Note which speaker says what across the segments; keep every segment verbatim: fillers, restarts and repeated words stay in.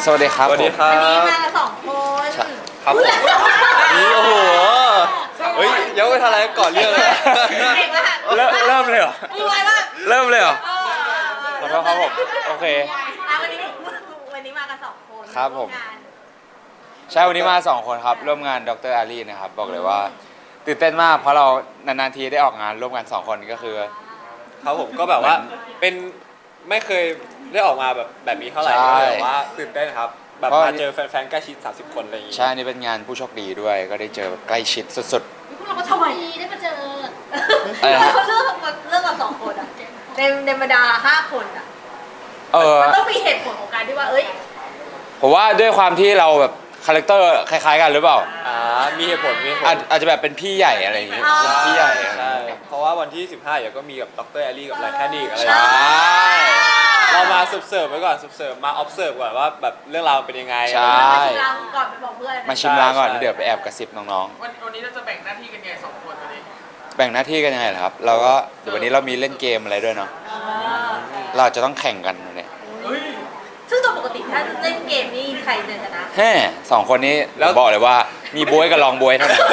Speaker 1: สวัสดีครับ
Speaker 2: สวัสดีครั
Speaker 3: วันนี้
Speaker 2: บ
Speaker 3: มาสองคน
Speaker 2: ครับผมนี่โอ้โหเฮ้ยยังไม่ทันอะไรก่อนเรื่องเลย
Speaker 3: เก่งมาก
Speaker 1: เริ่มเริ่มเลยเหรอ
Speaker 3: มือไวมาก
Speaker 1: เริ่มเลยเหรอ
Speaker 3: เออ
Speaker 1: ขอโทษครับผมโอเค
Speaker 3: อ่ะวันนี้วันนี้มากันสองคน
Speaker 1: ครับผม
Speaker 3: งาน
Speaker 1: ใช่วันนี้มาสองคนครับร่วมงานดรอารีนะครับบอกเลยว่าตื่นเต้นมากเพราะเรานานๆทีได้ออกงานร่วมกันสองคนก็คือ
Speaker 2: ครับผมก็แบบว่าเป็นไม่เคยได้ออกมาแบบแบบนี้เท่าไหร่
Speaker 1: ใช่
Speaker 2: ก็เลยแบบว่าตื่นเต้นครับแบบ
Speaker 1: เพราะ
Speaker 2: มาเจอแฟนๆใกล้ชิดสามสิบคนอะไรอย่างงี้
Speaker 1: ใช่นี่เป็นงานผู้โชคดีด้วย ก็ได้เจอแบบใกล้ชิดสุด
Speaker 3: พวกเราก็ทำไมได้มาเจอ
Speaker 1: อะไรนะ
Speaker 3: เขาเลือกเลือกกับสองคนอ่ะในในบรรดาห้าคนอ่ะ
Speaker 1: ๆเออ
Speaker 3: มันต้องมีเหตุผลของการที่ว่าเอ้ย
Speaker 1: ผมว่าด้วยความที่เราแบบคาแรคเตอร์คล้ายๆกันหรือเปล่า
Speaker 2: อ่ามีเหตุผลมีเหตุผ
Speaker 1: อาจ
Speaker 2: ล
Speaker 1: อาจจะแบบเป็นพี่ใหญ่อะไรอย่างเงี้ย
Speaker 3: อ๋อ
Speaker 1: เป็นพี่ใหญ่อะไรอ
Speaker 2: ใช่
Speaker 1: ย่างเงี้ย
Speaker 2: เพราะว่าวันที่สิบห้าเดี๋ยวก็มีกับดรแอลลี่กับไลแคนดี้อะไรอ
Speaker 1: ใช่
Speaker 2: ย่างเงี้ยเรามาสืบเสิร์ฟไว้ก่อนสืบเสิร์ฟมา observe ก่อนว่าแบบเรื่องราวเป็นยังไง
Speaker 1: ใช่
Speaker 3: มาชิมลางก่อนไปบอกเพื่อน
Speaker 1: มาชิมลางก่อน
Speaker 2: ใช่
Speaker 1: แล้วเดี๋ยวไปแอบกระซิบน้อง
Speaker 4: วันวันนี้เราจะแบ่งหน้าที่กันยังไงสองคนวันนี้
Speaker 1: ๆ แบ่งหน้าที่กันยังไงล่ะครับ เราก็เดี๋ยววันนี้เรามีเล่นเกมอะไรด้วยเนาะ
Speaker 3: เออ
Speaker 1: เราจะต้องแข่งกันเนี่ย
Speaker 4: เฮ้ย
Speaker 3: ซึ่งตัวปกติถ้าเล่นเกมนี่ใครจะชนะ
Speaker 1: แฮ่สองคนนี้บอกเลยว่ามีบวยกับรองบวยเท่านั้น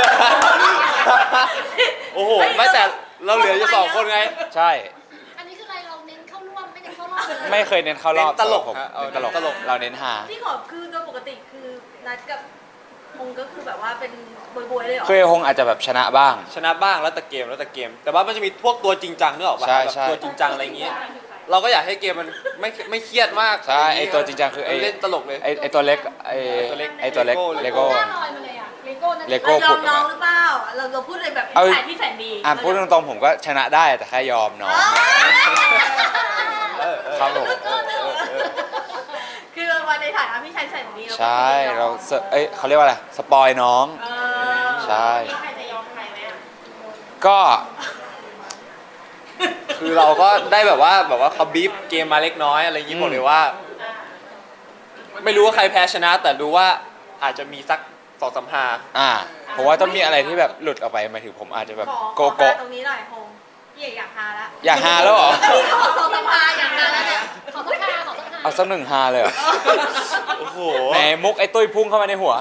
Speaker 2: โอ้โหไม่แต่เราเหลืออยู่สองคนไง
Speaker 1: ใช่
Speaker 5: อันนี้คืออะไรเราเน้นเข้าร่วมไม่เน้นเข้ารอบเลย
Speaker 1: ไม่เคยเน้นเข้ารอบ
Speaker 2: เน้นตลก
Speaker 1: สำหรับผม
Speaker 2: ฮะเอา
Speaker 1: เน้นตลก
Speaker 2: เน้นตลก
Speaker 1: เราเน้นหา
Speaker 3: พี่ขอคือโดยปกติคือนัดกับพงก็คือแบบว่าเป็นบวยๆเลยเหรอ
Speaker 1: เคยคงอาจจะแบบชนะบ้าง
Speaker 2: ชนะบ้างแล้วแต่เกมแล้วแต่เกม แต่ว่ามันจะมีพวกตัวจริงจังนึกออกป่ะ
Speaker 1: ใช่
Speaker 2: แบบ
Speaker 1: ใช่
Speaker 2: ตัวจริงจังอะไรอย่างเงี้ยเราก็อยากให้เกมมันไม่ไม่เครียดมาก
Speaker 1: ใช่ไอตัวจริงจังคือไอ
Speaker 2: เล่นตลกเลย
Speaker 1: ไอไอตัวเล็กไอ
Speaker 2: ตัวเล็ก
Speaker 1: ไอตัวเล็ก
Speaker 2: เล
Speaker 1: เล
Speaker 2: โก้
Speaker 1: โก้
Speaker 5: หน้าลอยมาเลยอะเลโก้นั่น
Speaker 1: เลโก้
Speaker 3: เรายอมน้องหรือเปล่าเราเราพูดเลยแบบ
Speaker 1: เอา
Speaker 3: พี่สายพี่แสนดี
Speaker 1: อ่ะพูดตรงๆผมก็ชนะได้แต่แค่ยอมน้อง
Speaker 2: เออเออ
Speaker 1: ครับผม
Speaker 2: เออเออเออ
Speaker 3: คือวันในฐานะพี่ชายแสนดี
Speaker 1: ใช่เราเสเอ้ยเขาเรียกว่าอะไรสปอยน้อง
Speaker 3: เออ
Speaker 1: ใช่
Speaker 3: ใครจะยอมใครไหมอ่ะ
Speaker 1: ก็
Speaker 2: คือเราก็ได้แบบว่าแบบว่าเขาบีฟเกมมาเล็กน้อยอะไรอย่างงี้บอกเลยว่า ไม่รู้ว่าใครแพ้ชนะ แต่รู้ว่าอาจจะมีสักสองสามหา
Speaker 1: อ่าผมว่าต้องมีอะไรที่แบบหลุดออกไปหมายถึงผมอาจจะแบบ
Speaker 3: ขอ
Speaker 1: โก
Speaker 3: ขอ
Speaker 1: โก้
Speaker 3: ตรงนี้หน่อยพงพี่เอกอยากฮาละ
Speaker 1: อยากฮาแล้วเหรอ
Speaker 3: ก็พี่เขาบอกสองสามฮาอยากฮาแล้วเนี่ย
Speaker 5: ขอสักคาขอสักคา
Speaker 1: เอาสักหนึ่งฮาเลยเหรอ
Speaker 2: โอ้โห
Speaker 1: แหมมุกไอ้ตุ้ยพุ่งเข้ามาในหัว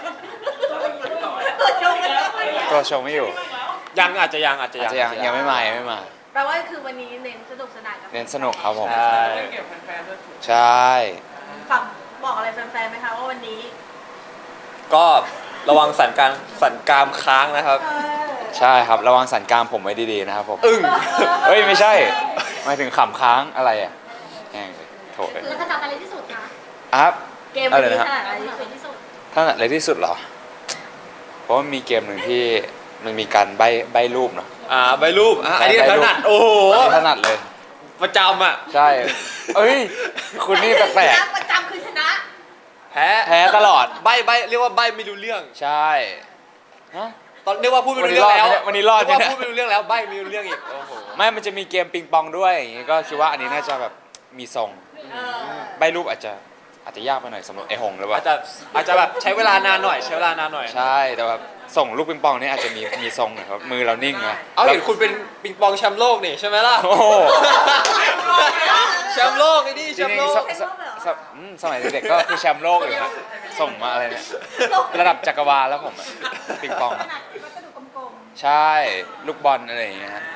Speaker 3: ตัวชงกันแล้ว
Speaker 1: ตัวชมไม่อยู่
Speaker 2: ยังอาจจะยังอาจจะ
Speaker 1: อาจ
Speaker 2: ยัง
Speaker 1: จะยังยังไม่มายังไม่มา
Speaker 3: แปลว่าคือวันนี้เน้นสนุกสนานกับ
Speaker 1: เน้นสนุกครับผม
Speaker 2: ใช่
Speaker 4: เล่นเกมแฟนๆด้วย
Speaker 1: ใช่
Speaker 3: ฝั่งบอกอะไรแฟนๆไหมคะว่าวันนี้
Speaker 2: ก็ระวังสันการสันกรามค้างนะครับ
Speaker 3: เออ
Speaker 1: ใช่ครับระวังสันกรามผมไว้ดีๆนะครับผม
Speaker 2: อึ้ง
Speaker 1: เฮ้ยไม่ใช่หมายถึงขำค้างอะไรอ่ะแห้งเลยโถเลย
Speaker 5: แล้วถนัดอะไรที่สุดคะ
Speaker 1: อ่ะครับ
Speaker 3: เกมวันนี้
Speaker 1: อะไรนะ
Speaker 3: ขนาดไหน
Speaker 5: ถนัดอะไรที่สุด
Speaker 1: ท่านอะไรที่สุดเหรอ เพราะว่ามีเกมหนึ่งที่มันมีการใบใบรูปเนาะ
Speaker 2: อ่าใบรูปอ่ะอันนี้
Speaker 1: ใบ
Speaker 2: ถ
Speaker 1: รูป
Speaker 2: นัดโอ้โห
Speaker 1: อันนี้ถนัดเลย
Speaker 2: ประจำอ่ะ
Speaker 1: ใช่เอ้ยคุณนี่แปลก
Speaker 3: ชนะประจำคือชนะ
Speaker 2: แพ้
Speaker 1: ๆแพ้ตลอด
Speaker 2: ใบใบเรียกว่าใบไม่รู้เรื่อง
Speaker 1: ใช่ฮะ
Speaker 2: ตอนเรียกว่าพูดไม่รู้เรื่องแล้ว
Speaker 1: วันนี้รอดไหม
Speaker 2: เรียก
Speaker 1: เนี่ย
Speaker 2: ว่าพูดไม่รู้เรื่องแล้วใบไม่รู้เรื่องอีกโอ้โห
Speaker 1: ไม่มันจะมีเกมปิงปองด้วยอย่างงี้ก็คิดว่าอันนี้น่าจะแบบมีทรง
Speaker 3: เออ
Speaker 1: ใบรูปอาจจะอาจจะยากไปหน่อยสำหรับไอหงหรือเป
Speaker 2: อาจ
Speaker 1: ล่า
Speaker 2: จะอาจจะแบบใช้เวลานานหน่อยใช้เวลานานหน่อย
Speaker 1: ใช่แต่แบบส่งลูกปิงปองนี่อาจจะมีมีทรงหน่อยครับมือเรานิ่งไง
Speaker 2: เอาเห็นคุณเป็นปิงปองแชมป์โลกนี่ใช่ไหมล่ะ
Speaker 1: โอ้โห
Speaker 2: แชมป์โลกไอ้นี่
Speaker 1: จ
Speaker 2: แช
Speaker 1: ริ
Speaker 2: มป์
Speaker 1: ง
Speaker 2: โล
Speaker 1: ๆ
Speaker 2: ก
Speaker 1: สสสอืมสมัยเด็กๆก็คือแชมป์โลกอยู่ครับส่งมาอะไรเนี่ยระดับจักรวาลแล้วผมอะปิงปอง
Speaker 3: ขนาดวัสดุกลม
Speaker 1: ใช่ลูกบอลอะไรอย่างเงี้ยฮะ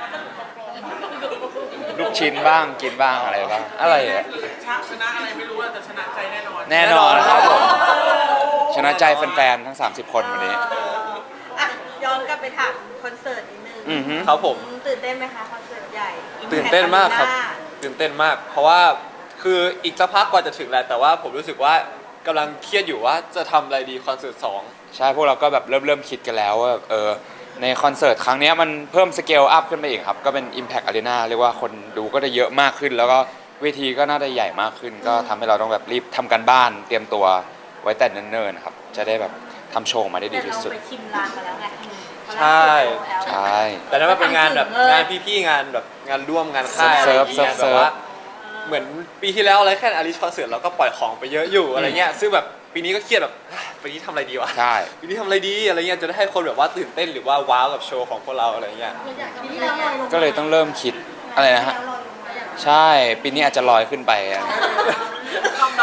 Speaker 1: ลูกชิ้นบ้างกินบ้างอะไรบ้างอะไรอะ
Speaker 4: ชนะชนะอะไรไม่รู้อะแต่ชนะใจแน่นอน
Speaker 1: แน่นอนครับผมชนะใจแฟนๆทั้งสามสิบคนวันนี้
Speaker 3: ๆเอออ่ะย้อนกลับไปถามคอนเสิร์ตนิดนึง
Speaker 1: อือฮึ
Speaker 2: ครับผม
Speaker 3: ตื่นเต้นไหมคะคอนเสิร์ตใหญ่
Speaker 2: ตื่นเต้นมากครับ ตื่นเต้นมาก เพราะว่าคืออีกสักพักกว่าจะถึงแหละแต่ว่าผมรู้สึกว่ากำลังเครียดอยู่ว่าจะทำอะไรดีคอนเสิร์ตสอง
Speaker 1: ใช่พวกเราก็แบบเริ่มเริ่มคิดกันแล้วว่าเออในคอนเสิร์ตครั้งเนี้ยมันเพิ่มสเกลอัพขึ้นไปอีกครับ ก็เป็น Impact Arena เรียกว่าคนดูก็จะเยอะมากขึ้น แล้วก็เวทีก็น่าจะใหญ่มากขึ้น ก็ทำให้เราต้องแบบรีบทำกันบ้านเตรียมตัวไว้แต่เนิ่นๆนะครับจะได้แบบทำโชว์ออกมาได้ดี
Speaker 3: แต่
Speaker 1: ที่
Speaker 3: เรา
Speaker 1: สุด
Speaker 3: ไปชิมลางมาแล้วไง
Speaker 2: ใช่
Speaker 1: ใช่
Speaker 2: แต่นั้นมันเป็นงานแบบงานพี่ๆงานแบบงานร่วมงานค่ายอะไรอย่างเงี้ย
Speaker 1: เซิ
Speaker 2: แบ
Speaker 1: ร์ฟ
Speaker 2: บว่าเหมือนปีที่แล้วอะไรแค่อาริชคอนเสิร์ตเราก็ปล่อยของไปเยอะอยู่อะไรเงี้ยซึ่งแบบปีนี้ก็เครียดแบบปีนี้ทำอะไรดีวะ
Speaker 1: ใช่
Speaker 2: ปีนี้ทำอะไรดีอะไรเงี้ยจะได้ให้คนแบบว่าตื่นเต้นหรือว่าว้าวกับโชว์ของพวกเราอะไรเงี้ย
Speaker 5: เราอยากจะ
Speaker 3: ปี
Speaker 5: มี
Speaker 3: ที่
Speaker 5: อะไร
Speaker 3: แล้วลอยลง
Speaker 1: ก็เลยต้องเริ่มคิดอะไรนะฮะใช่ปีนี้อาจจะลอยขึ้นไปอะ
Speaker 3: คำนำ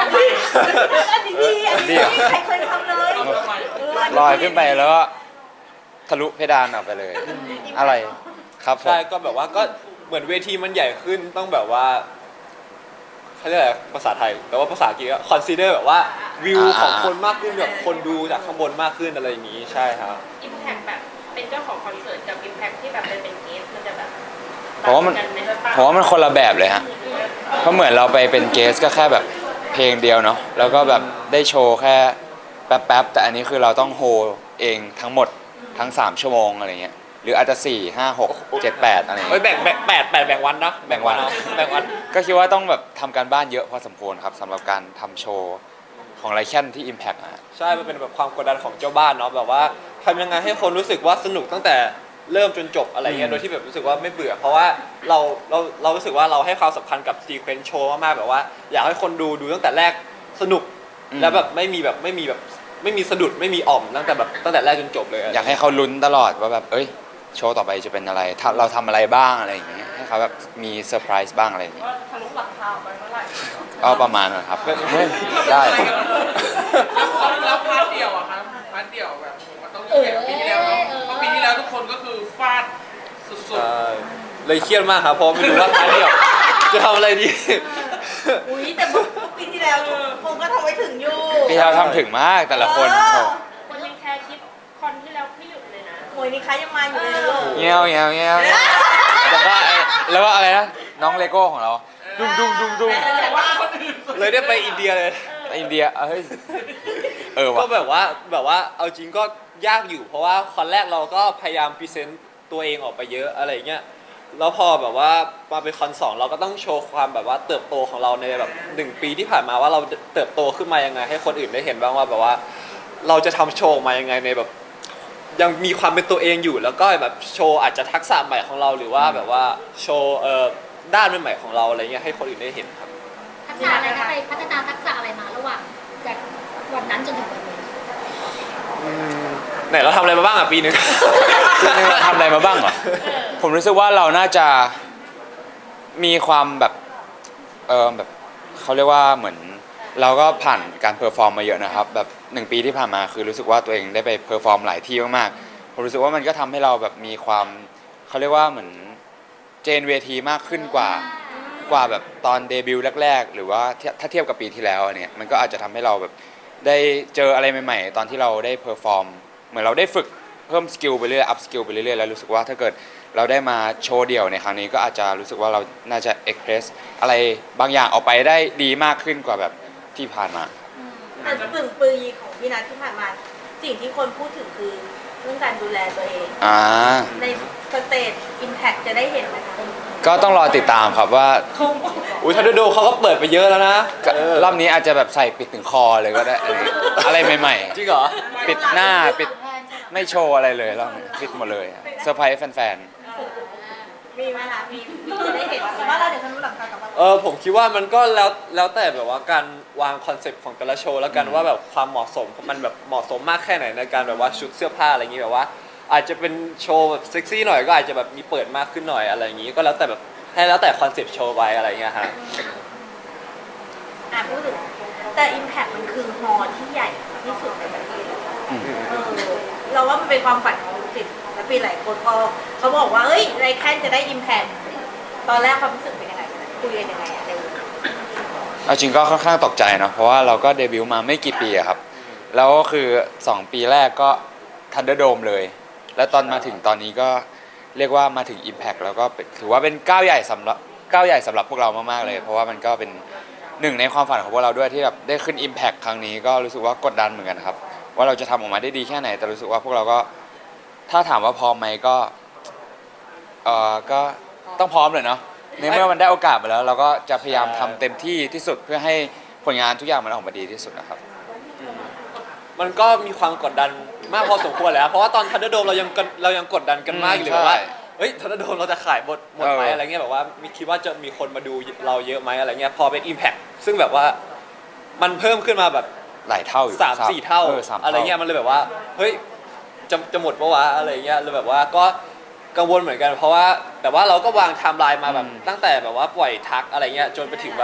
Speaker 3: อันนี้ดีอันนี้ดีใครเคยทำเลยเ
Speaker 1: ลอยขึ้นไปแล้วก็ทะลุเพดานออกไปเลย อะไรครับผม
Speaker 2: ใช่ก็แบบว่าก็เหมือนเวทีมันใหญ่ขึ้นต้องแบบว่าเขาเรียกอะไรภาษาไทยแต่ว่าภาษาอังกฤษก็ consider แบบว่าวิวของคนมากขึ้นแบบคนดูจากข้างบนมากขึ้นอะไรอย่างนี้ใช่ครับ
Speaker 6: อิมแพคแบบเป็นเจ้าของคอนเสิร์ตกับอิมแพคที่แบบเป็นเป็นเกสมันจะแบบ
Speaker 1: ผมว่ามัน
Speaker 6: ต่งกัไห
Speaker 1: ผมว่ามันคนละแบบเลยฮะเพราะเหมือนเราไปเป็นเกสก็แค่แบบเพลงเดียวเนาะแล้วก็แบบได้โชว์แค่แป๊บๆแต่อันนี้คือเราต้องโฮเองทั้งหมดทั้งสามชั่วโมงอะไรเงี้ยหรืออาจจะสี่ห้าหกเจ็ดแปดอะไร
Speaker 2: เฮ้ย
Speaker 1: เงี้ย
Speaker 2: แบ่งแบ่งแปดแปดแบ่งวันนะ
Speaker 1: แบ่งวัน
Speaker 2: เอาแบ่งวัน
Speaker 1: ก็คิดว่าต้องแบบทำการบ้านเยอะพอสมควรครับสำหรับการทำโชว์ของไรแคนที่ Impact อะฮะ
Speaker 2: ใช่ มันเป็นแบบความกดดันของเจ้าบ้านเนาะแบบว่าทำยังไงให้คนรู้สึกว่าสนุกตั้งแต่เริ่มจนจบอะไรเงี้
Speaker 1: อื
Speaker 2: ย
Speaker 1: ม
Speaker 2: โดยที่แบบรู้สึกว่าไม่เบื่อ เพราะว่าเราเราเรารู้สึกว่าเราให้ความสำคัญกับซีเควนซ์โชว์มากๆแบบว่าอยากให้คนดูดูตั้งแต่แรกสนุกแล้วแบบไม่มีแบบไม่มีแบบไม่มีสะดุดไม่มีอ่อมตั้งแต่แบบตั้งแต่แรกจนจบเลย
Speaker 1: อยากให้เขาลุ้นตลอดว่าแบบเอ้ยโชว์ต่อไปจะเป็นอะไรถ้าเราทำอะไรบ้างอะไรอย่างเงี้ยให้เขาแบบมีเซอร์ไพรส์บ้างอะไรอย่างเงี้ย
Speaker 4: ว่าทะลุหลังคาออกไปเมื่อไหร่
Speaker 1: ก็ประมาณนั้นครับเฮ้ยได้
Speaker 4: แล้วแล้วพาร์ทเดียวอะครับพาร์ทเดียวแบบมันต้องยิ่งใหญ่กว่าปีที่แล้วเนาะเพราะปีที่แล้วทุกคนก็คือฟาดสุด
Speaker 2: ใช่เลยเครียดมากครับเพราะไม่รู้ว่าท้ายเดียวจะทำอะไรดี
Speaker 3: อุ้ยแต่เมื่อปีที่แล้วคงก็ทำไว้ถึงอยู่
Speaker 1: พี่เราทำถึงมากแต่ละคน
Speaker 3: เออ
Speaker 1: โอ้
Speaker 6: คนยังแคร์คลิปคอนที่แล้วไม่หยุดเลยนะ
Speaker 3: โอ้ยนี่คะยังมาอยู่เลยลูก
Speaker 1: เงี้ยวเงี้ยวเงี้ยวแล้วก็ไอ้แล้วก็อะไรนะน้องเลโก้ของเราดุ้งดุ้งดุ้งดุ้ง
Speaker 4: แต่ว่าคนอื่นสุด
Speaker 2: เลยได้ไปอินเดียเลย
Speaker 1: ไอ้อินเดียเอ้ยเออ
Speaker 2: ก็
Speaker 1: ว่ะ
Speaker 2: แบบว่าแบบว่าเอาจริงก็ยากอยู่ เพราะว่าคอนแรกเราก็พยายามพรีเซนต์ตัวเองออกไปเยอะอะไรเงี้ยแล้วพอแบบว่ามาเป็นคอนสองเราก็ต้องโชว์ความแบบว่าเติบโตของเราในแบบหนึ่งปีที่ผ่านมาว่าเราเติบโตขึ้นมายังไง ให้คนอื่นได้เห็นบ้างว่าแบบว่า เราจะทำโชว์ออกมายังไงในแบบ ยังมีความเป็นตัวเองอยู่แล้วก็แบบโชว์อาจจะทักษะใหม่ของเราหรือว่าแบบว่าโชว์เอ่อด้านใหม่ๆของเราอะไรเงี้ยให้คนอื่นได้เห็นครับ
Speaker 5: ทักษะอะไรคะไปพัฒนาทักษะอะไรมาระหว่างจากวันนั้นจนถึงวันนี้
Speaker 2: ไหนเราทำอะไรมาบ้างอ่ะปีหนึง
Speaker 1: ปีนึงเราทำอะไรมาบ้างเหรอผมรู้สึกว่าเราน่าจะมีความแบบเออแบบเขาเรียกว่าเหมือนเราก็ผ่านการเพอร์ฟอร์มมาเยอะนะครับแบบหนึ่งปีที่ผ่านมาคือรู้สึกว่าตัวเองได้ไปเพอร์ฟอร์มหลายที่มากๆผมรู้สึกว่ามันก็ทำให้เราแบบมีความเขาเรียกว่าเหมือนเจนเวทีมากขึ้นกว่ากว่าแบบตอนเดบิวต์แรกๆหรือว่าถ้าเทียบกับปีที่แล้วเนี่ยมันก็อาจจะทำให้เราแบบได้เจออะไรใหม่ๆตอนที่เราได้เพอร์ฟอร์มเหมือนเราได้ฝึกเพิ่มสกิลไปเรื่อยอัพสกิลไปเรื่อยๆแล้วรู้สึกว่าถ้าเกิดเราได้มาโชว์เดี่ยวในครั้งนี้ก็อาจจะรู้สึกว่าเราน่าจะเอ็กเพรสอะไรบางอย่างออกไปได้ดีมากขึ้นกว่าแบบที่ผ่านมา
Speaker 3: แต่ปึ่งปีของพี่นัทที่ผ่านมา สิ่งที่คนพูดถึงคือเรื่องการดูแลตัวเอง
Speaker 1: อ่า
Speaker 3: ในสเตจอิมแพคจะได้เห็นไหมคะ
Speaker 1: ก็ต้องรอติดตามครับว่า
Speaker 2: อุ้ยทันโดเขาก็เปิดไปเยอะแล้วนะ
Speaker 1: ก็
Speaker 2: เออ
Speaker 1: รอบนี้อาจจะแบบใส่ปิดถึงคอเลยก็ได้อะไรอะไรใหม่
Speaker 2: จริงเหรอ
Speaker 1: ๆ ปิดหน้าปิดไม่โชว์อะไรเลยรอบนี้ปิดหมดเลยเซอร์ไพรส์แฟน
Speaker 3: มีไหมคะมีจะได้เห็นว่าเราเดี๋ยวทะลุหลังคากลับมา
Speaker 2: เออผมคิดว่ามันก็แล้วแล้วแต่แบบว่าการวางคอนเซปต์ของแต่ละโชว์แล้วกันว่าแบบความเหมาะสมมันแบบเหมาะสมมากแค่ไหนในการแบบว่าชุดเสื้อผ้าอะไรอย่างงี้แบบว่า อาจจะเป็นโชว์แบบเซ็กซี่หน่อยก็อาจจะแบบมีเปิดมากขึ้นหน่อยอะไรอย่างงี้ก็แล้วแต่แบบให้แล้วแต่คอนเซปต์โชว์ไปอะไรอย่างเงี้ยฮะ
Speaker 3: อ่ะพูดถึงแต่ Impact มันคือฮอลล์ที่ใหญ่ที่สุดในประเทศ
Speaker 1: ๆอืม
Speaker 3: เออเราว่ามันเป็นความฝันของศิษย์และปีหลายคนพอเขาบอกว่าเอ้ยไรแค่จะได้ Impact ตอนแรกความรู้สึกเป็นยังไงกันคุยกันยังไงอะในวง
Speaker 1: เอาจริงก็ค่อนข้างตกใจเนาะเพราะว่าเราก็เดบิวต์มาไม่กี่ปีอะครับ แล้วก็คือสองปีแรกก็ทันเดอร์โดมเลย แล้วตอนมาถึงตอนนี้ก็เรียกว่ามาถึง Impact แล้วก็เป็นถือว่าเป็นก้าวใหญ่สำหรับก้าวใหญ่สำหรับพวกเรามากๆเลย เพราะว่ามันก็เป็นหนึ่งในความฝันของพวกเราด้วยที่แบบได้ขึ้น Impact ครั้งนี้ก็รู้สึกว่ากดดันเหมือนกันครับ ว่าเราจะทำออกมาได้ดีแค่ไหน แต่รู้สึกว่าพวกเราก็ถ้าถามว่าพร้อมไหมก็เออก็ต้องพร้อมเลยเนาะในเมื่อมันได้โอกาสมาแล้ว เราก็จะพยายามทำเต็มที่ที่สุดเพื่อให้ผลงานทุกอย่างมันออกมาดีที่สุดนะครับ
Speaker 2: มันก็มีความกดดันมากพอสมควรแล้วเพราะว่าตอนทันเดอร์โดมเรายังกดเรายังกดดันกันมากอยู่เลยแบบว่า
Speaker 1: ใช่
Speaker 2: เฮ้ยทันเดอร์โดมเราจะขายหมดหมดไหม
Speaker 1: เอออ
Speaker 2: อะไรเงี้ยแบบว่ามีคิดว่าจะมีคนมาดูเราเยอะไหมอะไรเงี้ยพอเป็น Impact ซึ่งแบบว่ามันเพิ่มขึ้นมาแบบ
Speaker 1: หลายเท่าอยู่
Speaker 2: สามสี่เท่า
Speaker 1: ออสาม
Speaker 2: อะไรเงี้ยมันเลยแบบว่าเฮ้ยจะจะหมดปะวะอะไรเงี้ยเลยแบบว่าก็กังวลเหมือนกันเพราะว่าแต่ว่าเราก็วางไทม์ไลน์มาแบบตั้งแต่แบบว่าปล่อยทักอะไรเงี้ยจนไปถึงแบบ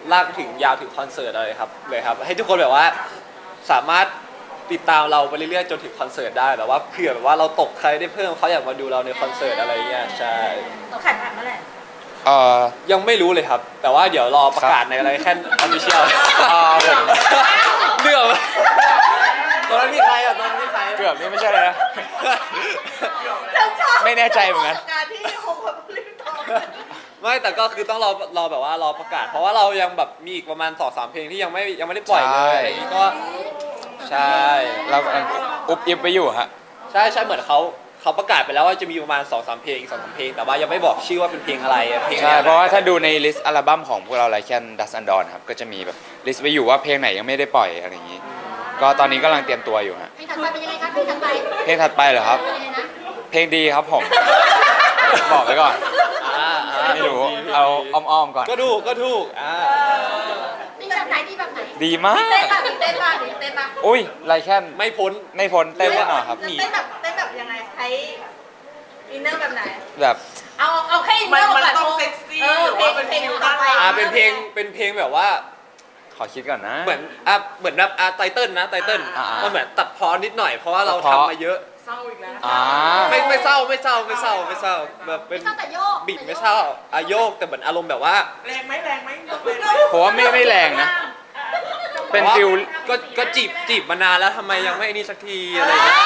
Speaker 2: ลากถึงยาวถึงคอนเสิร์ตเลยครับเลยครับให้ทุกคนแบบว่าสามารถติดตามเราไปเรื่อยๆจนถึงคอนเสิร์ตได้แบบว่าเผื่อแบบว่าเราตกใครได้เพิ่มเขาอยากมาดูเราในคอนเสิร์ตอะไรเงี้ยใช่
Speaker 3: ขันผ่านเมื่อไหร่
Speaker 1: เออ
Speaker 2: ยังไม่รู้เลยครับ แต่ว่าเดี๋ยวรอประกาศในอะไรแค่ออฟฟิเชียล
Speaker 1: อ่าผม
Speaker 2: เรื่องตอนนั้นมีใครอ่ะตอนนั้นมีใคร
Speaker 1: เกือบนี่ไม่ใช่เลยนะ
Speaker 3: ฉันชอบ
Speaker 1: ไม่แน่ใจเหมือนกัน
Speaker 3: การที่คงแบบรีบตอบ
Speaker 2: ไม่แต่ก็คือต้องรอรอแบบว่ารอประกาศ เพราะว่าเรายังแบบมีอีกประมาณสองสามเพลงที่ยังไม่ยังไม่ได้ปล่อยเลยอะไรอย่างงี้ก็ใช่
Speaker 1: เรากำลังอุบอิบไปอยู่ฮะ
Speaker 2: ใช่ใช่เหมือนเขาเขาประกาศไปแล้วว่าจะมีประมาณสองสามเพลงสองสามเพลงแต่ว่ายังไม่บอกชื่อว่าเป็นเพลงอะไรเพลง
Speaker 1: ใช่
Speaker 2: อไ
Speaker 1: เพราะว่าถ้าดูในลิสต์อัลบั้มของพวกเราไลแคนดัสอันดอนครับก็จะมีแบบลิสต์ไว้อยู่ว่าเพลงไหนยังไม่ได้ปล่อยอะไรอย่างนี้ ก็ตอนนี้กำลังเตรียมตัวอยู่ฮะ
Speaker 5: เพลงถัดไปเป็นยังไงคะเพลงถัดไป
Speaker 1: เพลงถัดไปเหรอครับ
Speaker 5: เป็นยังไงนะ
Speaker 1: เพลงดีครับผม บอกไว้ก่อน
Speaker 2: อ่าอ่า
Speaker 1: ไม่รู้เอาอ้อมๆก่อน
Speaker 2: ก็ถูกก็ถูกอ่า
Speaker 5: ดีแบบไหนดีแบบไหน
Speaker 1: ดีมาก
Speaker 3: เต้นป่ะเต้นป่ะเต้นป่ะ
Speaker 1: อุ้ยไลแคน
Speaker 2: ไม่พ้น
Speaker 1: ไม่พ้นเต้นแน่นอนครับ
Speaker 3: เต้นแบบเต้นแบบยังไงใช้อินเนอร์แบบไหน
Speaker 1: แบบ
Speaker 3: เอาเอาแค่อินเน
Speaker 4: มั
Speaker 3: อน ร์
Speaker 4: มัน
Speaker 3: ก่อน
Speaker 4: ต้องเซ็กซี่
Speaker 3: เออ
Speaker 4: หรือ
Speaker 3: เพล
Speaker 4: ว่าง เป็น
Speaker 3: เพลง
Speaker 4: ฟิล
Speaker 3: ต่
Speaker 4: ด้า
Speaker 3: อน ไป
Speaker 4: หลัง
Speaker 2: อ่าเป็นเพลงเป็นเพลงแบบว่า
Speaker 1: ขอคิดก่อนนะ
Speaker 2: เหมือนอ่ะเหมือนแบบอ่ะไตเติ้ลนะไตเติ้ล
Speaker 1: อ่าอ่า
Speaker 2: มันเหมือนตัดพอนิดหน่อยเพราะว่าเรา
Speaker 1: ตัดพ้อ
Speaker 2: ทำมาเยอะ
Speaker 4: เศร้าอีกแล้ว
Speaker 1: อ่า
Speaker 2: ไม่ไม่เศร้าไม่เศร้าไม่เศร้าไม่เศร้าแบบเป็น
Speaker 5: ไม่เศร้าแต่โยก
Speaker 2: บิดไม่เศร้าอะโยกแต่เหมือนอารมณ์แบบว่า
Speaker 4: แรงไหมแรงไหมยกเลย
Speaker 1: ผมว่าไม่ไม่แรงนะ เป็นฟิล
Speaker 2: ก็ก็จีบจีบมานานแล้วทำไมยังไม่นี่สักทีอะไรอย่างเงี้ย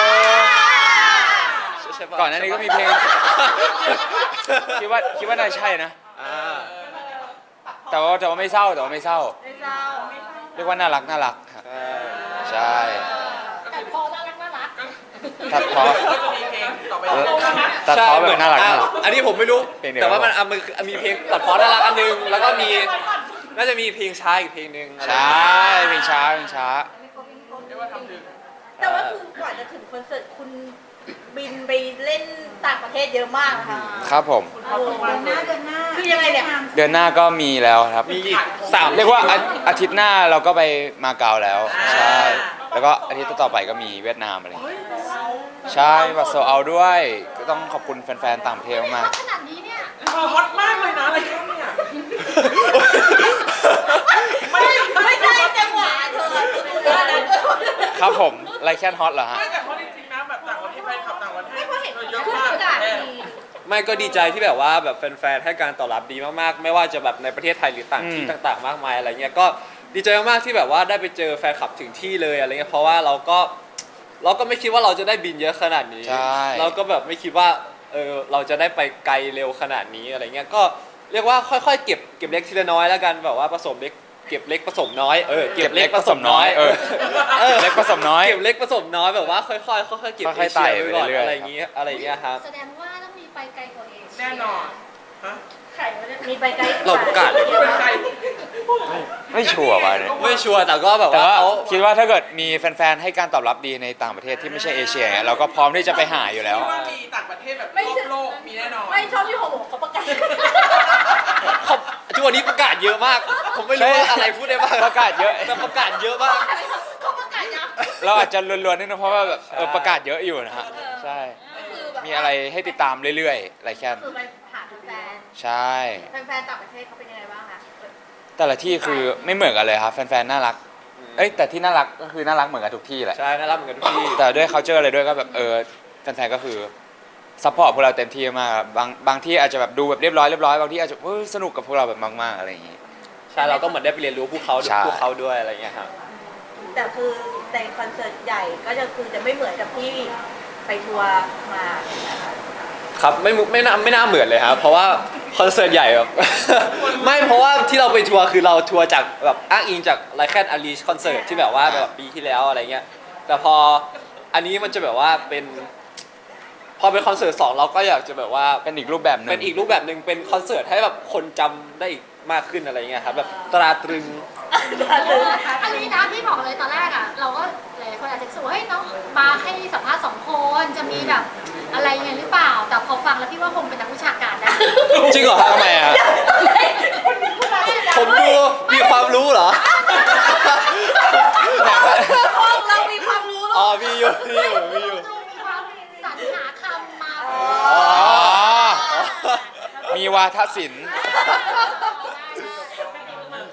Speaker 2: ใช่ปะ
Speaker 1: ก่อนหน้านี้ก็มีเพลง คิดว่าคิดว่าน่าใช่นะ
Speaker 2: อ่า
Speaker 1: แต่ว่าแต่ว่าไม่เศร้าแต่ว่าไม่เศร้า
Speaker 3: ไม่เศร้า
Speaker 1: เรียกว่าน่ารักน่ารักครับ
Speaker 2: ใช่
Speaker 1: ใช่
Speaker 5: แต่พอน่ารักน่ารัก
Speaker 1: ตัดเพอ
Speaker 4: ก็จะมีเพลงต่อไป
Speaker 1: เออตัดเพอแบบน่ารักน่ารัก
Speaker 2: อ่ะอันนี้ผมไม่รู้
Speaker 1: เพลงเดียว
Speaker 2: แต่ว่ามันอ่ะมันคือมีเพลงตัดพอน่ารักอันนึงแล้วก็มีน่าจะมีเพลงช้าอีกเพลงหนึ่งอะไร
Speaker 1: ใช่เพลงช้าเพลงช้า
Speaker 4: เรียกว่าทำถึง
Speaker 3: แต่ว่าคือกว่าจะถึงคอนเสิร์ตคุณบินไปเล่นต่างประเทศเยอะมากนะคะ
Speaker 1: ครับผม
Speaker 3: โอ้โหเดือนหน้าเดือนหน้าคือยังไงเนี่ย
Speaker 1: เดือนหน้าก็มีแล้วครับ
Speaker 2: มีอีกสาม
Speaker 1: เรียกว่าอาอาทิตย์หน้าเราก็ไปมาเก๊าแล้ว ใช่ แล้วก็อาทิตย์ต่อๆไปก็มีเวียดนามอะไรอย่างเงี้ยใช่บัตรโซเอาด้วย ก็ต้องขอบคุณแฟนๆต่างประเทศมาก
Speaker 5: ขนาดนี้เนี่ย
Speaker 4: ฮอตมากเลยนะอะไรแค่เนี่ย
Speaker 3: ไม่ไม่ใช่จังหวะเธอดูเยอะนะ
Speaker 1: ครับผมไลแคนฮอตเหรอฮะ
Speaker 4: ไม่แต่เขาจริงๆนะแบบต่างประเทศแฟนคลับต่างประเทศ
Speaker 3: ไม่เพราะเห็น
Speaker 4: เยอะ
Speaker 3: คือ
Speaker 4: มาก
Speaker 3: ประกาศมี
Speaker 2: ไม่ก็ดีใจที่แบบว่าแบบแฟนๆให้การตอบรับดีมากๆ ไม่ว่าจะแบบในประเทศไทยหรือต่างที่
Speaker 1: อืม
Speaker 2: ต่างๆ มากมายอะไรเงี้ยก็ดีใจมากๆที่แบบว่าได้ไปเจอแฟนคลับถึงที่เลยอะไรเงี้ยเพราะว่าเราก็เราก็ไม่คิดว่าเราจะได้บินเยอะขนาดนี้
Speaker 1: ใช่
Speaker 2: เราก็แบบไม่คิดว่าเออเราจะได้ไปไกลเร็วขนาดนี้อะไรเงี้ยก็เรียกว่าค่อยๆเก็บเก็บเล็กทีละน้อยแล้วกันแบบว่าผสมเล็กเก็บเล็กผสมน้อยเออเก็บเล็กผสมน้อย
Speaker 1: เออ
Speaker 2: เออ
Speaker 1: เล็กผสมน้อย
Speaker 2: เก็บเล็กผสมน้อยแบบว่าค่อยๆค่อยๆเก็บ
Speaker 1: ค่อยๆไต่
Speaker 2: เอเชีย
Speaker 1: ไป
Speaker 2: ไว้ก่อน
Speaker 1: เรื่อยๆ
Speaker 2: อะไรอย่างเงี้ยอะไรอย่างเงี้ยครับ
Speaker 5: แสดงว่าต้องมีไปไกลกว่าเอเชีย
Speaker 4: แน่นอนฮะ
Speaker 5: ไข่ไม่ได้
Speaker 3: มีไปไกล
Speaker 2: เราประกาศ
Speaker 4: เป็นใคร
Speaker 1: ไม่ชัวร์ว่ะเนี่ย
Speaker 2: ไม่ชัวร์แต่ก็แบบ
Speaker 1: แต่
Speaker 2: ว่า
Speaker 1: ว่า
Speaker 2: เขา
Speaker 1: คิดว่าถ้าเกิดมีแฟนๆให้การตอบรับดีในต่างประเทศที่ไม่ใช่เอเชียเนี่ยเราก็พร้อมที่จะไปหาอยู่แล้ว
Speaker 4: คิดว่ามีต่างประเทศแบบรอบโลกมีแน่นอน
Speaker 3: ไม่ชอบที่โฮโมเขาประกาศ
Speaker 2: เขาทุกวันนี้ประกาศเยอะมาก ผมไม่รู้ว่าอะไรพูดได้บ้าง
Speaker 1: ประกาศเยอะ
Speaker 2: แต่ประกาศเยอะมาก
Speaker 3: เขาประกาศยัง
Speaker 1: เราอาจจะล้วนๆนิดนึงเพราะว่าแบบเออประกาศเยอะอยู่นะฮะใช่
Speaker 3: ก็คือแบบ
Speaker 1: มีอะไรให้ติดตามเรื่อยๆไลแคน
Speaker 3: คือไปหาแฟน
Speaker 1: ใช่
Speaker 3: แฟนๆต่างประเทศเขาเป็นยังไงบ้างคะ
Speaker 1: แต่ละที่คือไม่เหมือนกันเลยครับแฟนๆน่ารักเอ้ยแต่ที่น่ารักก็คือน่ารักเหมือนกันทุกที่แหละ
Speaker 2: ใช่น่ารักเหมือนกันทุกที่
Speaker 1: แต่ด้วย culture อะไรด้วยก็แบบเออแฟนๆก็คือซัพพอร์ตพวกเราเต็มที่มากครับบางบางที่อาจจะแบบดูแบบเรียบร้อยเรียบร้อยบางที่อาจจะเฮ้ยสนุกกับพวกเราแบบมากๆอะไรอย่างงี้
Speaker 2: ใช่เราก็เหมือนได้ไปเรียนรู้พวกเขา
Speaker 1: ใช่
Speaker 2: พวกเขาด้วยอะไรอย่างเงี้ยครับ
Speaker 3: แต่คือในคอนเสิร์ตใหญ่ก็จะคือจะไม่เหมือนกับที่ไปทัวร์มานะคะ
Speaker 2: ครับไม่มุไม่น่าไม่น่าเหมือนเลยครับเพราะว่าคอนเสิร์ตใหญ่แบบ ไม่เพราะว่าที่เราไปทัวร์คือเราทัวร์จากแบบอ้างอิงจากไลแคนอารีคอนเสิร์ตที่แบบว่าแบบปีที่แล้วอะไรเงี้ยแต่พออันนี้มันจะแบบว่าเป็น พอเป็นคอนเสิร์ตสองเราก็อยากจะแบบว่า
Speaker 1: เป็นอีกรูปแบบหนึง
Speaker 2: เป็นอีกรูปแบบหนึ่งเป็นคอนเสิร์ตให้แบบคนจำได้อีกมากขึ้นอะไรเงี้ยครับแบบตราตรึง
Speaker 5: อันนี้นะพี่บอกเลยตอนแรกอ่ะ เราก็หลายคนอาจจะรู้สึกว่าเฮ้ยน้องมาให้สัมภาษณ์สองคนจะมีแบบอะไรยังไงหรือเปล่า แต่พอฟังแล้วพี่ว่าคงเป็นนักวิชาการนะ
Speaker 2: จริงเหรอครับ
Speaker 1: ทำไมอ่ะ
Speaker 2: ผมดูมีความรู้เหรอ
Speaker 3: ห้องเรามีความรู้หร
Speaker 2: อ๋
Speaker 3: อ
Speaker 2: อมีอยู่มีอยู่มีอยู่
Speaker 5: ดูมีความสรรหาคำมา
Speaker 1: อ๋อ มีวาทศิลป์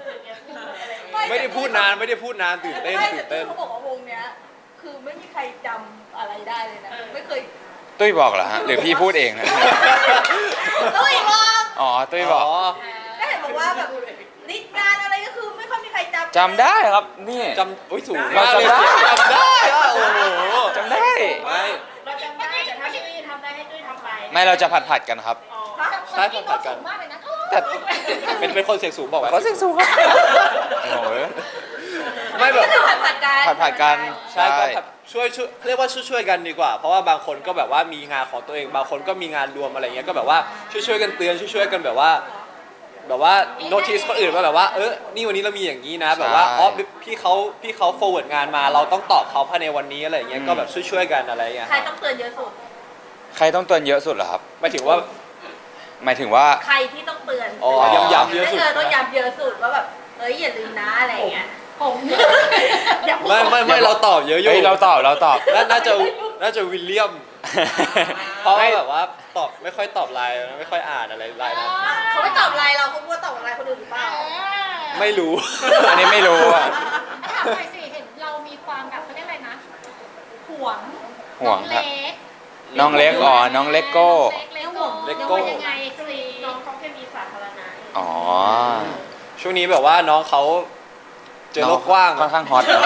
Speaker 2: ไม่ได้พูดนานไม่ได้พูดนานตื่นเต้น
Speaker 3: ไม่
Speaker 2: ตื่
Speaker 3: แต่
Speaker 2: นเต้น
Speaker 3: เขาบอกว่าวงเนี้ย คือไม่มีใครจำอะไรได้เลยนะ ไม่เคย
Speaker 1: ตุ้ยบอกเหรอฮะหรือพี่พูดเองนะ
Speaker 3: ต้องอีกรอบ
Speaker 1: อ๋อตุ้ยบอก
Speaker 3: ก็เห็นบอกว่าแบบลิสต์งานอะไรก็คือไม่ค่อยมีใครจำ
Speaker 1: จำได้ครับนี่
Speaker 2: จำอุ้ยสูง
Speaker 1: เรา
Speaker 2: มากเลย
Speaker 1: จำได้
Speaker 2: จำได้อะโอ้โห
Speaker 1: จำได้
Speaker 2: ไม่
Speaker 6: เราจำได้แต่ถ้าตุ้ยทำได้ให้ตุ้ยทำไป
Speaker 1: ไม่เราจะผัดผัดๆกันครับ
Speaker 6: อ๋อ
Speaker 2: ใช่ผัดผัดกัน
Speaker 5: มากเลยนะ
Speaker 1: แต่
Speaker 2: เป็นเป็นคนเสียงสูงบอกไว้
Speaker 1: เขาเสียงสูงครับโอ้โห
Speaker 2: ไม่แบบ
Speaker 3: ก็คือผัดผัดๆกัน
Speaker 1: ผัดผัดๆกัน
Speaker 2: ใช่ก็แบบช่วยช่วยเรียกว่าช่วยช่วยกันดีกว่า เพราะว่าบางคนก็แบบว่ามีงานของตัวเองบางคนก็มีงานรวมอะไรเงี้ยก็แบบว่าช่วยช่วยกันเตือนช่วยช่วยกันแบบว่า แบบว่าโน้ติสคนอื่นว่าแบบว่าเออนี่วันนี้เรามีอย่างนี้นะ แบบว่าอ๋อพี่เขาพี่เขา forward งานมา เราต้องตอบเขาภายในวันนี้อะไรเงี้ยก็แบบช่วยช่วยกันอะไรเงี้ย
Speaker 3: ใครต้องเตือนเยอะสุด
Speaker 1: ใครต้องเตือนเยอะสุดเหรอครับ
Speaker 2: หมายถึงว่า
Speaker 1: หมายถึงว่า
Speaker 3: ใครที่ต้องเตือน
Speaker 2: อ๋อย้ำๆเยอะสุด
Speaker 3: เออต้องย้ำเยอะสุดว่าแบบเอ้ยอย่าลืมนะอะไรอย่างเงี้ย
Speaker 5: ผม
Speaker 3: อย่าพูด
Speaker 2: ไม่ไม่ไม่เราตอบเยอะอยู่
Speaker 1: เฮ้ยเราตอบเราตอบ
Speaker 2: น่าน่าจะน่าจะวิลเลียม เพราะว่าแบบว่าตอบไม่ค่อยตอบไลน์ไม่ค่อยอ่านอะไรไลน์นะ
Speaker 3: เขาไม่ตอบไลน์เราเขาพูดว่าตอบไลน์คนอื่นหรือเปล่า
Speaker 2: ไม่รู้
Speaker 1: อันนี้ไม่รู้อ่ะ
Speaker 5: ถามหน่อยสิเห็นเรามีความแบบเขาเรียกอะไรนะห่วง
Speaker 1: ห่วงครับ
Speaker 5: น้องเล็ก
Speaker 1: น้องเล็กอ๋อน้องเลโก้
Speaker 5: เล็กเลโก้
Speaker 2: เลโก้
Speaker 5: ยังไงสิ
Speaker 6: น้องเขาแค่มีสาธารณะ
Speaker 1: อ๋อ
Speaker 2: ช่วงนี้แบบว่าน้องเขาเจอโลกกว้าง
Speaker 1: ค่อนข้างฮอตนะ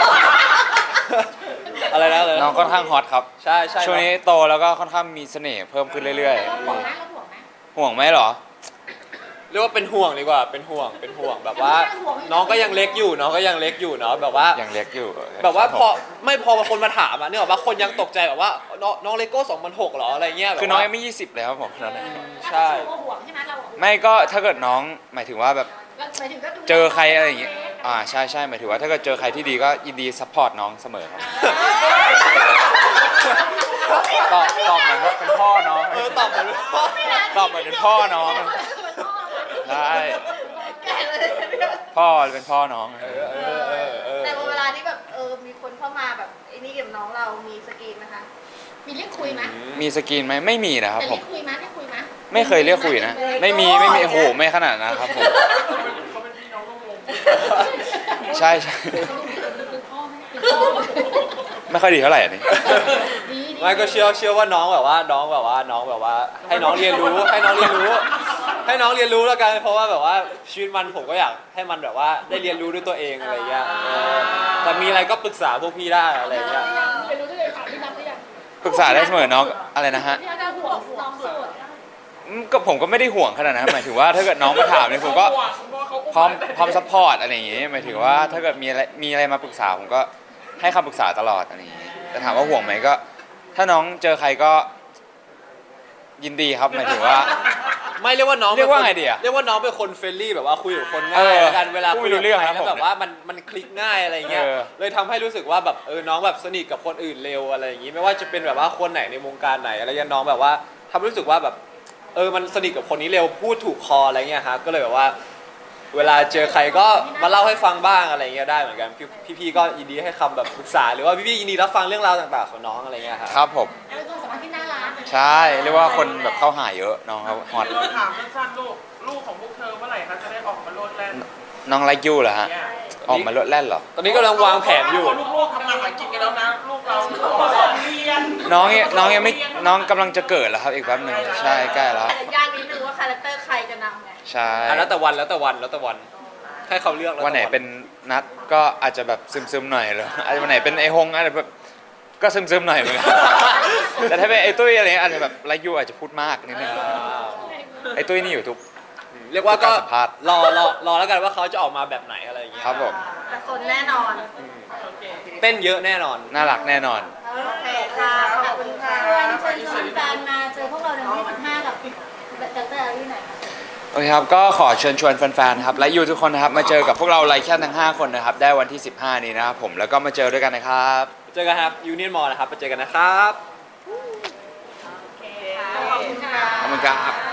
Speaker 2: อะไรนะอะไร
Speaker 1: น้องค่อนข้างฮอตครับ
Speaker 2: ใช่ใช่
Speaker 1: ช่วงนี้โตแล้วก็ค่อนข้างมีเสน่ห์เพิ่มขึ้นเรื่อย
Speaker 5: เราห่วงไหมเราห่วงไหม
Speaker 1: ๆ ห่วงไหมเหรอ
Speaker 2: เรียกว่าเป็นห่วงดีกว่าเป็นห่วงเป็นห่วงแบบว่า น้องก็ยังเล็กอยู่น้องก็ยังเล็กอยู่เนาะแบบว่า
Speaker 1: ยังเล็กอยู่
Speaker 2: แบบว่า
Speaker 1: ครับ
Speaker 2: พอ
Speaker 1: ผม
Speaker 2: ไม่พอคนมาถามอ่ะเนี่ยว่าคนยังตกใจแบบว่าน้องน้องเลโก้สองพันหกหรออะไรเงี้ยแบบ
Speaker 1: คือน้อง
Speaker 2: ว่า
Speaker 1: ยังไม่ยี่สิบเลยครับผมตอนนั้น
Speaker 2: ใช่
Speaker 5: เราห่วงใช่ไหมเราห่วง
Speaker 1: ไม่ก็ถ้าเกิดน้องหมายถึงว่าแบบ
Speaker 5: เราหมายถึงก็ดูแล
Speaker 1: เจอใครอะไรอย่างเงี้ย
Speaker 5: ล็ก
Speaker 1: อ่าใช่ใช่หมายถึงว่าถ้าเกิดเจอใครที่ดีก็ยินดีซัพพอร์ตน้องเสมอครับตอบตอบเหมือนว่าเป็นพ่อน้อง
Speaker 2: เออตอบเหมือนว่า
Speaker 1: ตอบเหมือนเป็นพ่อน้องใช่
Speaker 3: แก่เลยเนี่ย
Speaker 1: พ่อเป็นพ่อน้อง
Speaker 2: เออเออเออเออ
Speaker 3: แต่เวลาที่แบบเออมีคนเข้ามาแบบไอ้นี่กับน้องเรามีสกรีนนะคะ
Speaker 5: มีเรียกคุยไหม
Speaker 1: มีสกรีนไหมไม่มีนะครับ
Speaker 5: แต่
Speaker 1: ผ
Speaker 5: เรี
Speaker 1: ม
Speaker 5: ยกคุยไหมเรียกคุยไหม
Speaker 1: ไม่เคยเรียกคุยนะ ไม่มีไม่มีโอ้โหไม่ขนาดนะครับผม
Speaker 4: เขาเป็นพี่น้องร่วมวง
Speaker 1: ใช่ใช่
Speaker 5: เป็นพ่อไหมเป็นพ่อ
Speaker 1: ไม่ค่อยดีเท่าไหร่อันนี้
Speaker 5: ดีดี
Speaker 2: ไม่ก็เชื่อเชื่อว่าน้องแบบว่าน้องแบบว่าน้องแบบว่า ให้น้องเรียนรู้ให้น้องเรียนรู้ ให้น้องเรียนรู้แล้วกันเพราะว่าแบบว่าชีวิตมันผมก็อยากให้มันแบบว่าได้เรียนรู้ด้วยตัวเองอะไรเงี้ยเออแต่มีอะไรก็ปรึกษาพวกพี่ได้อะไรเงี้ย
Speaker 5: ไปรู้ได้เลยค่ะพี่นับหรือยัง
Speaker 1: ปรึกษาได้เสมอน้องอะไรนะฮะ
Speaker 5: พี่นับห่วงน้องโสด
Speaker 1: อืมก็ผมก็ไม่ได้ห่วงขนาดนั้นหมายถึงว่าถ้าเกิดน้องมาถามเนี่ยผมก็พร้อมพร้อมซัพพอร์ตอะไรอย่างงี้หมายถึงว่าถ้าเกิดมีอะไรมีอะไรมาปรึกษาผมก็ให้คำปรึกษาตลอดอะไรอย่างงี้แต่ถามว่าห่วงไหมก็ ถ้าน้องเจอใครก็ยินดีครับหมายถึงว่า
Speaker 2: ไม่เรียกว่าน้อง
Speaker 1: เรียกว่า
Speaker 2: ป็นคน
Speaker 1: ไงดีอะ
Speaker 2: เรียกว่าน้องเป็นคนเฟรนลี่แบบว่าคุยกับคน
Speaker 1: เอ
Speaker 2: ง่าย
Speaker 1: อ
Speaker 2: แล้วกันเวลา
Speaker 1: พูด
Speaker 2: คุย
Speaker 1: ไม่รู้
Speaker 2: กับ
Speaker 1: เรื่อง
Speaker 2: ใคร
Speaker 1: ครับ
Speaker 2: แล้ว
Speaker 1: ผม
Speaker 2: แบบว่ามันมันคลิกง่ายอะไรเงี้ย
Speaker 1: เออ
Speaker 2: เลยทำให้รู้สึกว่าแบบเออน้องแบบสนิทกับคนอื่นเร็วอะไรอย่างงี้ไม่ว่าจะเป็นแบบว่าคนไหนในวงการไหนอะไรเงี้ยน้องแบบว่าทำให้รู้สึกว่าแบบเออมันสนิทกับคนนี้เร็วพูดถูกคออะไรเงี้ยฮะก็เลยแบบว่า เวลาเจอใครก็มาเล่าให้ฟังบ้างอะไรเงี้ยได้เหมือนกันพี่พี่ๆก็ยินดีให้คำแบบปรึกษาหรือว่าพี่ๆยินดีรับฟังเรื่องราวต่างๆของน้องอะไรเงี้ยครับ
Speaker 1: ครับผม
Speaker 5: เป็นความสัมพันธ์ที่น่ารัก
Speaker 1: ใช่เรียกว่าคนแบบเข้าหาเยอะน้องเขาฮอต
Speaker 4: เราถามสั้นๆลูกลูกของพวกเธอเมื่อไหร่คะจะได้ออกมาโลดแล่น
Speaker 1: น้องไลค์ยูเหรอฮะ
Speaker 4: เนี่ย
Speaker 1: ออกมาลดแล่นเหรอ
Speaker 2: ตอนนี้กำลังวางแผนอยู่
Speaker 4: ลูกๆทำงานหากินกันแล้วนะลูกเราออกเรียน
Speaker 1: น้องยังน้องยังไม่น้องกำลังจะเกิดแล้วครับอีกแป๊บหนึ่งใช่ใกล้แล้ว
Speaker 3: แต่ยากนิดนึงว่าคาแรคเตอร์ใครจะนำไง
Speaker 1: ใช่
Speaker 2: อ่ะแล้วแต่วันแล้วแต่วันแล้วแต่วันให้เขาเลือกแล้วแต่
Speaker 1: วันไหนเป็นนัดก็อาจจะแบบซึมๆหน่อยเลยอาจจะวันไหนเป็นไอฮงอาจจะแบบก็ซึมๆหน่อยเหมือนกัน แต่ถ้าเป็นไอตุ้ยอะไรเงี้ยอาจจะแบบไลค์ยูอาจจะพูดมากนิดนึง
Speaker 2: อ่า
Speaker 1: ไอตุ้ยนี่อยู่ทุก
Speaker 2: เรียกว่าก็
Speaker 1: การสัมภาษณ์
Speaker 2: รอรอรอแล้วกันว่าเขาจะออกมาแบบไหนอะไรอย่างเงี้ย
Speaker 1: ครับผม
Speaker 3: แต่สนแน่นอน
Speaker 2: เต้นเยอะแน่นอน
Speaker 1: น่ารักแน่นอน
Speaker 3: โอเคค่ะขอบคุณค่ะ
Speaker 5: ชวนเชิญชวนแฟนมาเจอพวกเราในวันที่สิบห้ากับดรอารีหน่อยค่ะ
Speaker 1: โอเคครับก็ขอเชิญชวนแฟนๆครับและยูทุกคนนะครับมาเจอกับพวกเราไลค์แค่ทั้งห้าคนนะครับได้วันที่สิบห้านี้นะครับผมแล้วก็มาเจอด้วยกันนะครับ
Speaker 2: เจอกันครับยูเนียนมอลนะครับไปเจอกันนะครับ
Speaker 3: ขอบคุณค่ะ
Speaker 1: ขอบคุณครับ